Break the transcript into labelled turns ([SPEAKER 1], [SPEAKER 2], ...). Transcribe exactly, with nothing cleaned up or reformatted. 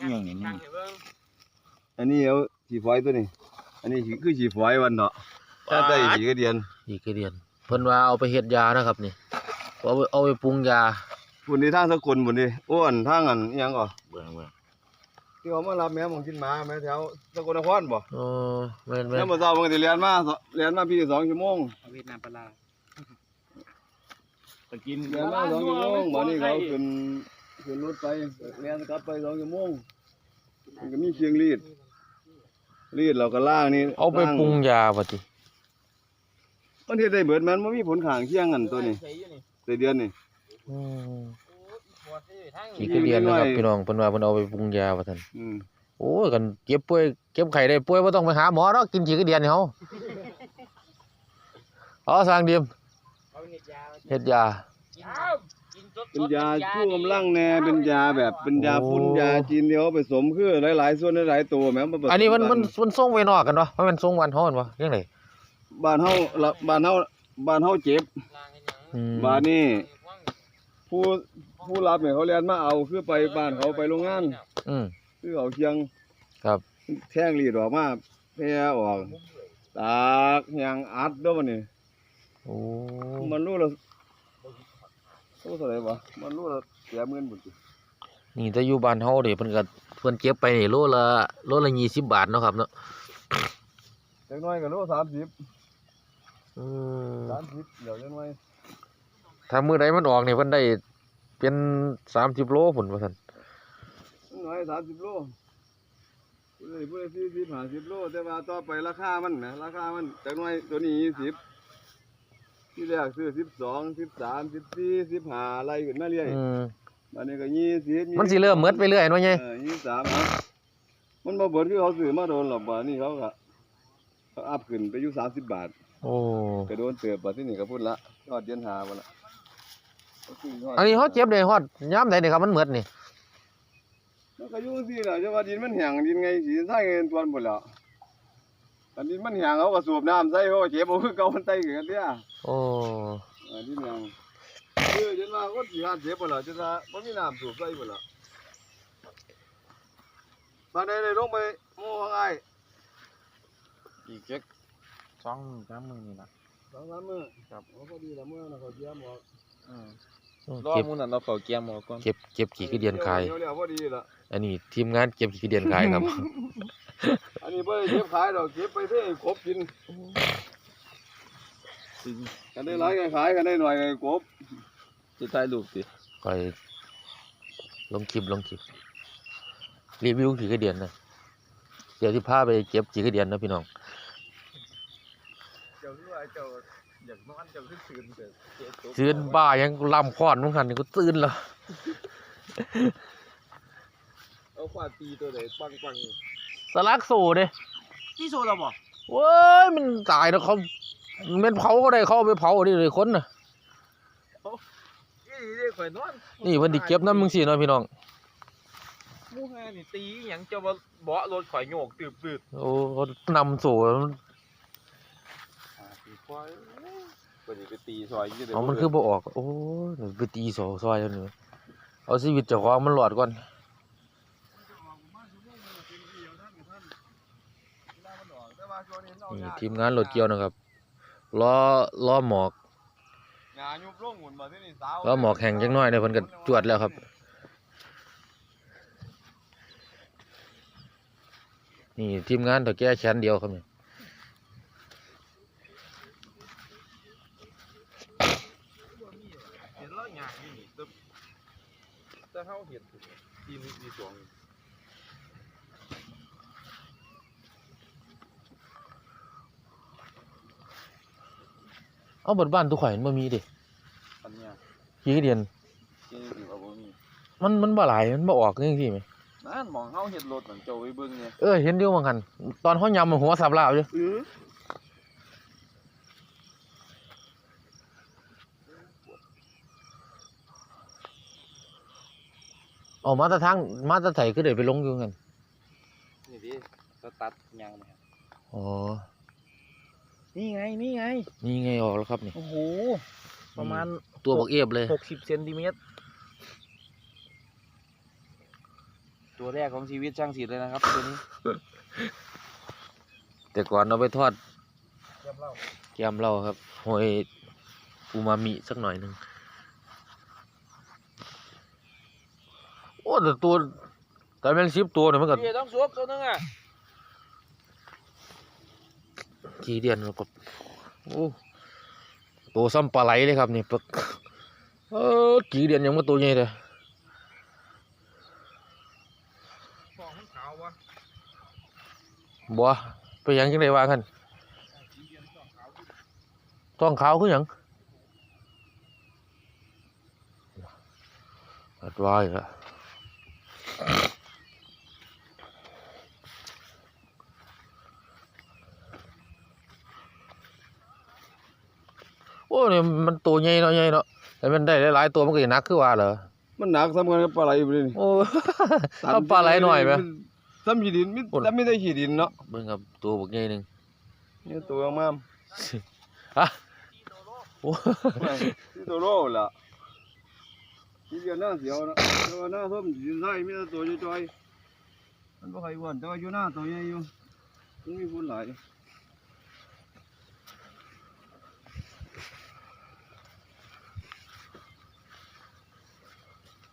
[SPEAKER 1] อย่างนี้นี่
[SPEAKER 2] อันนี้เอาฉีฝอยตัวนี้อันนี้คือฉีฝอยวันเนาะถ้าได้ฉีกระเดียน
[SPEAKER 3] ฉีกระเดียนเพิ่นว่าเอาไปเฮ็ดยานะครับนี่เอาไปเอาไปปรุงยา
[SPEAKER 2] บุญในทางสกุลบุญนี่อ้วนทางอันอิหยังก่อ
[SPEAKER 1] เบื่อเบื่อ
[SPEAKER 2] ที่เขามารับแม่มองกินหมาแม่แถวสกลนครบ่
[SPEAKER 3] อ๋อแม่นแม่น
[SPEAKER 2] แล้วมาเช้าเพิ่นสิเรียนมาเรียนมาพี่สองชั่วโมง
[SPEAKER 1] เวียดนามปลาไปกิน
[SPEAKER 2] เรียนมาสองชั่วโมงบ่นี่เขาขึ้นขึ้นรถไปเรียนกลับไปสองชั่วโมงมันก็มีเชียงรีดรีดเราก็ล่างนี่
[SPEAKER 3] เอาไปปรุงยาบ่ติ
[SPEAKER 2] มันเฮ็ดได้เบิดมันบ่มีผลข้างเคียงกันตัวนี้ได้เดือนนี่
[SPEAKER 3] อืมฉีกระเดียนนะครับพี่น้องเพิ่นว่าเพิ่นเอาไปปรุงยาว่าซั่น
[SPEAKER 2] อืม
[SPEAKER 3] โอ้ยกันเก็บป่วยเก็บไข้ได้ป่วยบ่ต้องไปหาหมอเนาะกินฉีกระเดียนนี่เฮาเอาสร้างเดียมเฮ็ดยา
[SPEAKER 2] เป็นยาชูกำลังแน่เป็นยาแบบเป็นยาพุ่นยาจีนเดียวผสมคือหลายๆส่วนหลายๆตัวแม่น
[SPEAKER 3] อันนี้มันมันมันส่งไว้นอกกันวะมันส่งวันเฮาบ่จังได๋
[SPEAKER 2] บ้านเฮาบ้านเฮาบ้านเฮาเจ็บบ้านนี้ผู้ผู้รับเนี่ยเขาเรียนมาเอาคือไปบ้านเขาไปโรงงาน
[SPEAKER 3] อืม
[SPEAKER 2] คือเอาเคียง
[SPEAKER 3] ครับ
[SPEAKER 2] แท่งรีดออกมาแผ่ออกตากยางอัดเด้อบัดนี้
[SPEAKER 3] โอ้
[SPEAKER 2] มันรู้แล้วโอ้เท่าไหร่บ่มันรู้แล้วเสียเงินบุญ
[SPEAKER 3] นี่ถ้าอยู่บ้านเฮาเด้เพิ่นก็เพิ่นเก็บไปนี่โลละโลละยี่สิบบาทเนาะครับเนาะ
[SPEAKER 2] จักหน่อยก็โลสามสิบ
[SPEAKER 3] อืม
[SPEAKER 2] สามสิบเดี๋ยวจักหน่อย
[SPEAKER 3] ถ้ามื้อใดมันออกนี่เพิ่นได้เป็นสามสิบโลพุ่นว่าซั่น
[SPEAKER 2] น้อยสามสิบโลผู้ใดผู้ใดสี่สิบห้าสิบโลแต่ว่าต่อไปราคามันนะราคามันจักหน่อยตัวนี้ยี่สิบที่แรกซื้อสิบสองสิบสามสิบสี่สิบห้าไล่ขึ้นมาเรื่อยบัดนี้ก็ยี่สิบ
[SPEAKER 3] มันสิเริ่มหมดไปเรื่อยเนาะไง
[SPEAKER 2] เออยี่สิบสามมันบ่เบิดคือเขาซื้อมาโดนหรอกบัดนี้เขาก็เขาอัพขึ้นไปอยู่สามสิบบาท
[SPEAKER 3] โอ้
[SPEAKER 2] ก็โดนเติบบัดที่นี่ก็พูดละยอดเดือนห้าบ่ล่ะ
[SPEAKER 3] อันนี้เฮาเจ็บได้ฮอดยามใดนี่ครับมันหมดนี่
[SPEAKER 2] มันก็อยู่ซี่ล่ะจังว่าดินมันแห้งดินไงสิใส่เงินตวนพุ่นแล้วอันดินมันแห้งเขาก็สูบน้ำใส่เขาก็เจ็บบ่คือเก่ามันไตขึ้นกันเด้อ
[SPEAKER 3] โอ้
[SPEAKER 2] อันดินแห้งคือจนว่าคนสิหาเจ็บบ่ล่ะจนว่าบ่มีน้ำสูบใส่บ่ล่ะมาได้ได้ลงไปหมู่ว่าไง
[SPEAKER 1] อีกจักสองสามมื้อนี่ล่ะ
[SPEAKER 2] สองสามมื้อครับพอดีละมื้อน่ะเขาเยี่ยมออก
[SPEAKER 1] อือรอมื้อนั้นเราเข้าเกียมออกก่อน
[SPEAKER 3] เก็บเก็บขี้กระเดียนขายอันนี้ทีมงานเก็บขี้กระเดียนขายครับ
[SPEAKER 2] อันนี้บ่ได้เก็บขายดอกเก็บไปให้กบกินกันได้หลายก็ขายกันได้หน่อยก็กบ
[SPEAKER 1] สิถ่ายรูปสิ
[SPEAKER 3] ค่อยลงคลิปลงคลิปรีวิวขี้กระเดียนนะเดี๋ยวสิพาไปเก็บขี้กระเดียนนะพี่น้อง
[SPEAKER 2] เจ้าคือว่าเจ้าอยากนอนเจ้าคือตื่นเด้อ
[SPEAKER 3] ตื่นบ้ายังลำค้อนมึงหั่นนี่กูตื่นแล้ว
[SPEAKER 2] เอาควาตีตัวใดปัง
[SPEAKER 3] ๆสลักโซ่เด้
[SPEAKER 2] ตีโซ่แล้วบ่
[SPEAKER 3] โว้ยมันตายแล้วเขามันเผาก็ได้เขาไปเผาดิเลยคนน่ะ
[SPEAKER 2] นี่เด้ข่อยนอน
[SPEAKER 3] นี่เพิ่นสิเก็บนำมึงสิเนาะพี่น้อง
[SPEAKER 2] หมู่ห้านี่ตีหยังเจ้าบ่เบาะรถข่อยโยกตืบ
[SPEAKER 3] ๆโอ้นำโซ่
[SPEAKER 2] ควายบ่ได้ไปตีซอยอยู่เด้อ
[SPEAKER 3] เอามันคือบ่ออกโอ้ยไปตีซอยซอยจังนี่เอาชีวิตเจ้าของมันรอดก่อนนี่ทีมงานรถเกี่ยวนะครับล้อล้อหมอกล้อหมอกแห้งจังน้อยเนี่ยเพิ่นก็จวดแล้วครับนี่ทีมงานเฒ่าแก่แขนเดียวครับนี่
[SPEAKER 2] แต่เฮาเฮ็ดทีมที่สอง
[SPEAKER 3] เอาบนบ้านทุกข่อยมันบ่มีดิ
[SPEAKER 2] อันเนี้ย
[SPEAKER 3] ขี้กระเดียน
[SPEAKER 2] ขี้กระเดียนบ่มี
[SPEAKER 3] มันมันบ่หลายมันบ่ออกจังซี่แหม
[SPEAKER 2] นั่นมองเฮาเฮ็ดรถนั่นเจ้าไปเบิ่งเนี่ย
[SPEAKER 3] เออเห็นอยู่ว่างั้นตอนเฮายำหัวสับลาวอยู่
[SPEAKER 2] อื้อ
[SPEAKER 3] ออกมาแต่ทางมาแต่ไสคือได้ไปลงอยู่งั้น
[SPEAKER 2] นี่ดิสตัดยางมา
[SPEAKER 3] อ๋อ
[SPEAKER 2] นี่ไงนี่ไง
[SPEAKER 3] นี่ไงออกแล้วครับนี่
[SPEAKER 2] โอ้โหประมาณ
[SPEAKER 3] ตัวบักเอียบเลย
[SPEAKER 2] หกสิบเซนติเมตร
[SPEAKER 1] ตัวแรกของชีวิตช่างศิลป์เลยนะครับตัวนี้
[SPEAKER 3] แต่ก่อนเอาไปทอด
[SPEAKER 1] เยี่ยมเล่า
[SPEAKER 3] แกมเราครับหอยอูมามิสักหน่อยหนึ่งโอ้แต่ตัวแต่แมงซิบตัวเนี่ยมันก็
[SPEAKER 1] พี่ต้องสวมตัวนึงอ่ะ
[SPEAKER 3] กี่เดือนแล้วก็โอ้ตัวซ้ำปลาไหลเลยครับนี่ปึกเออกี่เดือนยังมาตัวใหญ่เลย
[SPEAKER 1] ฟองมันขาววะ
[SPEAKER 3] บัวไปหยังจังไดว่ากันท้องขาวคือหยังอัดไว้ละโอ้เนี่ยมันตัวใหญ่เนาะใหญ่เนาะแต่มันได้หลายๆตัวมันก็จะหนักคือว่าเหรอ
[SPEAKER 2] มันหนักสำคัญกับปลาไหลอยู่เลยนี่
[SPEAKER 3] โอ้ เอาปลาไหลหน่อยไหม
[SPEAKER 2] ซ้ำขี้ดินมิซ้ำไม่ได้ขี้ดินเนาะ
[SPEAKER 3] เบิ่งครับตัวบักใหญ่หนึง
[SPEAKER 2] นี่ตัวงาม
[SPEAKER 3] ฮะโอ้
[SPEAKER 2] ๆที่ตัวโลล่ะที่เดียวหน้าเสียวนะแต่ว่าหน้าส้มดินไส้มีแต่ตัวจ้อยๆมันบ่ใครอ้วนแต่ว่าอยู่หน้าตัวใหญ่อยู่มันมีฝุ่นหลาย